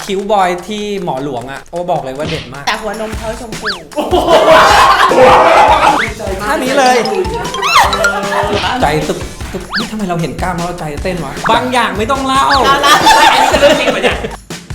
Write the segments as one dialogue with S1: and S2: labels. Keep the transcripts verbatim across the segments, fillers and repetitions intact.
S1: คิ้วบอยที่หมอหลวงอ่ะโอ้บอกเลยว่าเด็ดมาก
S2: แต่หัวนมเขาชมพู
S1: ท่านี้เลยใจตึกตึกนี่ทำไมเราเห็นกล้ามแล้วใจเต้นวะบางอย่างไม่ต้องเล่าอันนี้คือเรื่องจริงปะเนี่ย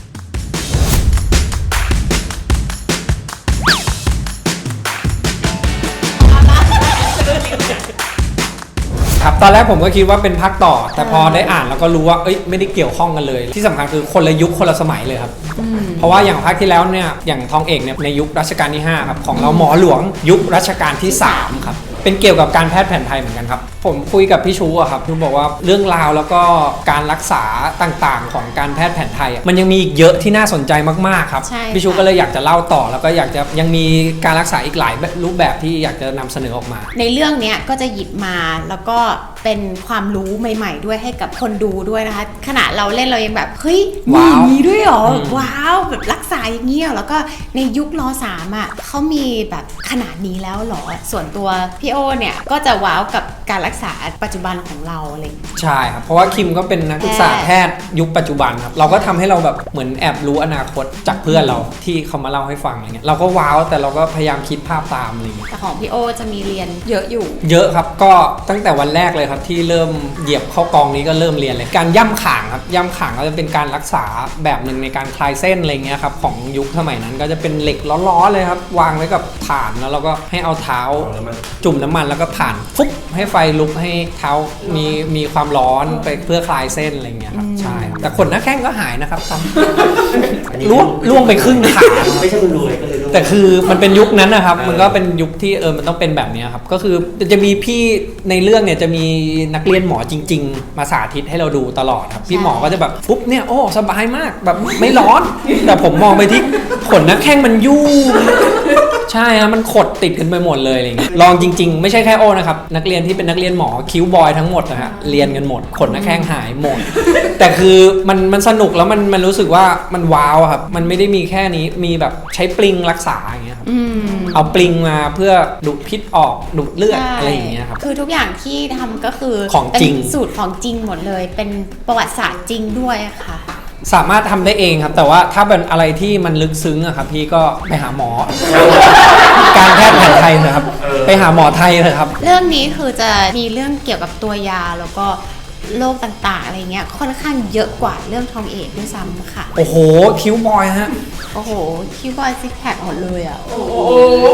S1: ครับตอนแรกผมก็คิดว่าเป็นภาคต่อแต่พอได้อ่านแล้วก็รู้ว่าเอ้ยไม่ได้เกี่ยวข้องกันเลยที่สำคัญคือคนละยุคคนละสมัยเลยครับเพราะว่าอย่างภาคที่แล้วเนี่ยอย่างทองเอกเนี่ยในยุครัชกาลที่ห้าครับของเราหมอหลวงยุครัชกาลที่สามครับเป็นเกี่ยวกับการแพทย์แผนไทยเหมือนกันครับผมคุยกับพี่ชูอะครับพี่บอกว่าเรื่องราวแล้วก็การรักษาต่างๆของการแพทย์แผนไทยมันยังมีอีกเยอะที่น่าสนใจมากๆครับพี่ชูก็เลยอยากจะเล่าต่อแล้วก็อยากจะยังมีการรักษาอีกหลายรูปแบบที่อยากจะนำเสนอออกมา
S2: ในเรื่องนี้ก็จะหยิบมาแล้วก็เป็นความรู้ใหม่ๆด้วยให้กับคนดูด้วยนะคะขณะเราเล่นเรายังแบบเฮ้ยมีมีด้วยเหรอว้าวแบบรักษาอย่างเงี้ยแล้วก็ในยุคร.สามอ่ะเขามีแบบขนาดนี้แล้วเหรอส่วนตัวพี่โอเนี่ยก็จะว้าวกับการรักษาปัจจุบันของเราอะไรอย่างเงี้ย
S1: ใช่ครับเพราะว่าคิมก็เป็นนักศึกษาแพทย์ยุคปัจจุบันครับเราก็ทำให้เราแบบเหมือนแอบรู้อนาคตจากเพื่อนเราที่เขามาเล่าให้ฟังอะไรเงี้ยเราก็ว้าวแต่เราก็พยายามคิดภาพตามอะไรเงี้ย
S2: แต่ของพี่โอจะมีเรียนเยอะอยู่
S1: เยอะครับก็ตั้งแต่วันแรกเลยครับที่เริ่มเหยียบเข้ากองนี้ก็เริ่มเรียนเลยการย่ำข่างครับย่ำข่างก็จะเป็นการรักษาแบบหนึ่งในการคลายเส้นอะไรเงี้ยครับของยุคสมัยนั้นก็จะเป็นเหล็กล้อๆเลยครับวางไว้กับฐานแล้วเราก็ให้เอาเท้าจุ่มน้ำมันแล้วก็ผ่านฟุ๊บให้ไฟลุกให้เท้ามีมีความร้อนไปเพื่อคลายเส้นอะไรเงี้ยครับใช่แต่ขนหน้าแข้งก็หายนะครับล่วงล่วงไปครึ่งขา
S3: ไม่ใช่คนรวยก็เลย
S1: แต่คือมันเป็นยุคนั้นนะครับมันก็เป็นยุคที่เออมันต้องเป็นแบบนี้ครับก็คือจะมีพี่ในเรื่องเนี่ยจะมีนักเรียนหมอจริงๆมาสาธิตให้เราดูตลอดครับพี่หมอก็จะแบบปุ๊บเนี่ยโอ้สบายมากแบบไม่ร้อนแต่ผมมองไปที่ขนหน้าแข้งมันยุ่งใช่ครับมันขดติดกันไปหมดเลยอะไรเงี้ยลองจริงๆไม่ใช่แค่โอ้นะครับนักเรียนที่เป็นนักเรียนหมอคิ้วบอยทั้งหมดนะฮะเรียนกันหมดขนหน้าแข้งหายหมดแต่คือมันมันสนุกแล้วมันมันรู้สึกว่ามันว้าวครับมันไม่ได้มีแค่นี้มีแบบใช้ปลิงรักษาอย่างเงี้ยครับเอาปลิงมาเพื่อดูดพิษออกดูดเลือดอะไรอย่างเงี้ยครับ
S2: คือทุกอย่างที่ทำก็คือ
S1: ของจริง
S2: สูตรของจริงหมดเลยเป็นประวัติศาสตร์จริงด้วยค่ะ
S1: สามารถทำได้เองครับแต่ว่าถ้าเป็นอะไรที่มันลึกซึ้งอะครับพี่ก็ไปหาหมอ การแพทย์แผนไทยนะครับไปหาหมอไทยเลยครับ
S2: เรื่องนี้คือจะมีเรื่องเกี่ยวกับตัวยาแล้วก็โรคต่างๆอะไรเงี้ยค่อนข้างเยอะกว่าเรื่องทองเอกด้วยซ้ำค่ะ
S1: โอ้โหคิ้วบอยฮะ
S2: โอ้โหคิ้วบอยซิกแพคหมดเลยอ่ะโอ้โห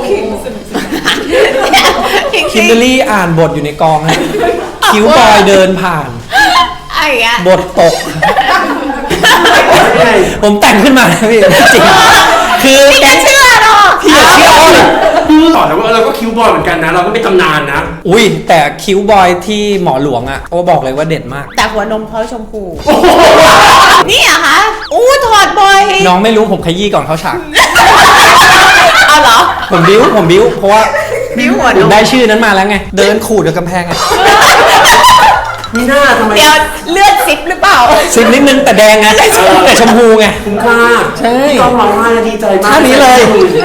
S1: คิมเบอรี่อ่านบทอยู่ในกองฮะคิ้วบอยเดินผ่านบทตกผมแต่งขึ้นมาพี่จริงคือ
S2: พี่จะเชื่อหรอ
S1: พี่จะเชื่อ
S3: ต่อแล้วว่าเราก็คิวบอยเหมือนกันนะเราก็เป็นตำนานนะ
S1: อุ้ยแต่คิ้วบอยที่หมอหลวงอ่ะโอ้บอกเลยว่าเด็ดมาก
S2: แต่หัวนมเขาชมพูนี่อะคะอู้ถอดบอย
S1: น้องไม่รู้ผมขยี้ก่อนเขาฉาก
S2: เอาเหรอ
S1: ผมบิ้วผมบิ้วเพราะว่า
S2: บิ้วหัวนม
S1: ได้ชื่อนั้นมาแล้วไงเดินขูดกับกำแพงไง
S3: มีหน้าทำไม
S2: เดี๋ยวเลือดซิปหรือเปล่า
S1: ซิปนิดนึงแต่แดงไงแต่ชมพูไง
S3: คุ้มค่า
S1: ใช่
S3: ต้องร้องไห้ดีใจมาก
S1: ท่านี้เลย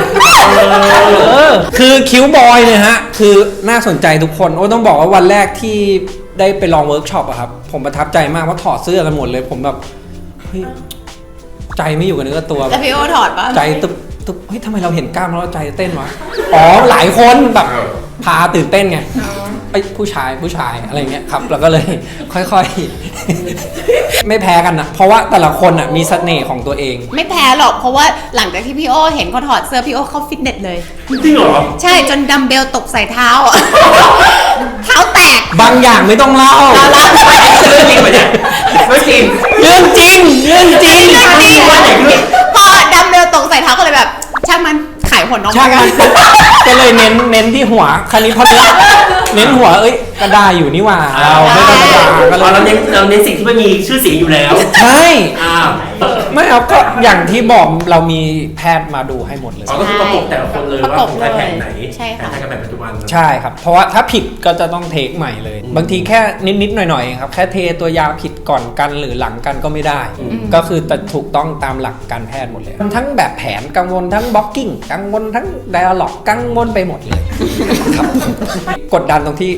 S1: คือคิ้วบอยเนี่ยฮะคือน่าสนใจทุกคนโอ้ต้องบอกว่าวันแรกที่ได้ไปลองเวิร์กช็อปอะครับผมประทับใจมากว่าถอดเสื้อกันหมดเลยผมแบบเฮ้ยใจไม่อยู่กับเนื้อตัว
S2: แล้วพี่โอถอดปะ
S1: ใจตึ๊บตึ๊บเฮ้ยทำไมเราเห็นกล้ามแล้วใจเต้นวะอ๋อหลายคนแบบพาตื่นเต้นไงไอ้ผู้ชายผู้ชายอะไรเงี้ยครับแล้วก็เลยค่อยๆไม่แพ้กันนะเพราะว่าแต่ละคนอ่ะมีเสน่ห์ของตัวเอง
S2: ไม่แพ้หรอกเพราะว่าหลังจากที่พี่โอเห็นเขาถอดเสื้อพี่โอเข้าฟิตเนสเลย
S3: จริงเหรอ
S2: ใช่จนดัมเบลตกใส่เท้าเท้าแตก
S1: บางอย่างไม่ต้องเล่า
S2: เล่าเรื่องจริง
S3: ปะเนี่ยไม่จริง
S1: เรื่องจริงเรื่องจริง
S2: เรื่องจริงพอดัมเบลตกใส่เท้าก็เลยแบบช่างมันขายผลออก
S1: มาก็เลยเน้นเน้นที่หัวคันนี้พอเน้นเน้นหัวเอ้ยกระดาอยู่นี่หว่าเราไม่ธรรมดา
S3: ก็เลยเราเน้นเราเน้นสิ่งที่มันมีชื่อเสียงอยู่แล้ว
S1: ใช่
S3: อ้าว
S1: ไม่เอาก็อย่างที่บอกเรามีแพทย์มาดูให้หมดเลย
S3: ก็คือประกบแต่ละคนเลยว่าของแพทย์ไหน
S2: ใช่ค่ะ
S3: แพทย์กับแพทย์ปัจจุบัน
S1: ใช่ครับเพราะว่าถ้าผิดก็จะต้องเทคใหม่เลยบางทีแค่นิดๆหน่อยๆครับแค่เทตัวยาผิดก่อนกันหรือหลังกันก็ไม่ได้ก็คือแต่ถูกต้องตามหลักการแพทย์หมดเลยทั้งแบบแผนกังวลทั้งบล็อกกิ้งกังวลทั้งไดอะล็อกกังวลไปหมดเลยครับกดดันตรงที่บางที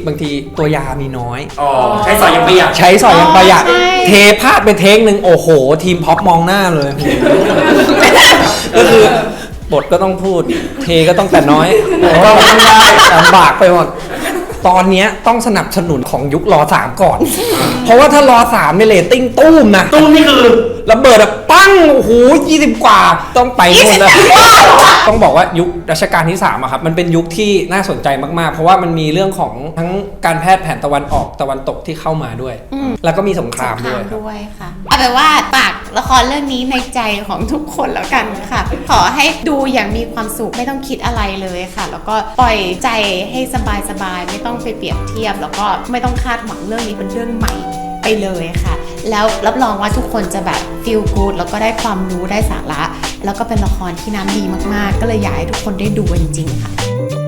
S1: ตัวยามีน้อย
S3: อ๋อใช้สอยยังประหยัด
S1: ใช้สอยอย่างประหยัด
S2: อ๋อใช่
S1: เทพลาดไปเทคหนึ่งโอ้โห ทีมพ็อปมองหน้าเลย ก็คือบทก็ต้องพูด เทก็ต้องแต่น้อยก็ไม่ได้ลำบากไปหมด ตอนเนี้ยต้องสนับสนุนของยุครอสามก่อน เพราะว่าถ้ารอสามในเรตติ้งตุ้มนะ
S3: ตุ้มนี่คือ
S1: ระเบิดแบบปั้งโอ้โหยี่สิบกว่าต้องไปนู่นแล้วต้องบอกว่ายุครัชกาลที่สามอะครับมันเป็นยุคที่น่าสนใจมากๆ เพราะว่ามันมีเรื่องของทั้งการแพทย์แผนตะวันออกตะวันตกที่เข้ามาด้วย
S2: อืม
S1: แล้วก็มีสงคราม
S2: สงค
S1: ด้
S2: รา
S1: วย
S2: ม
S1: ครับ
S2: ด้วยค่ะเอาเป็นว่าฝากละครเรื่องนี้ในใจของทุกคนแล้วกันค่ะ ขอให้ดูอย่างมีความสุขไม่ต้องคิดอะไรเลยค่ะ แล้วก็ปล่อยใจให้สบายๆไม่ต้องไปเปรียบเทียบ แล้วก็ไม่ต้องคาดหวังเรื่องนี้เป็นเรื่องใหม่ไปเลยค่ะ แล้วรับรองว่าทุกคนจะแบบ feel good แล้วก็ได้ความรู้ได้สาระ แล้วก็เป็นละครที่น้ำดีมากๆ ก็เลยอยากให้ทุกคนได้ดูกันจริงๆค่ะ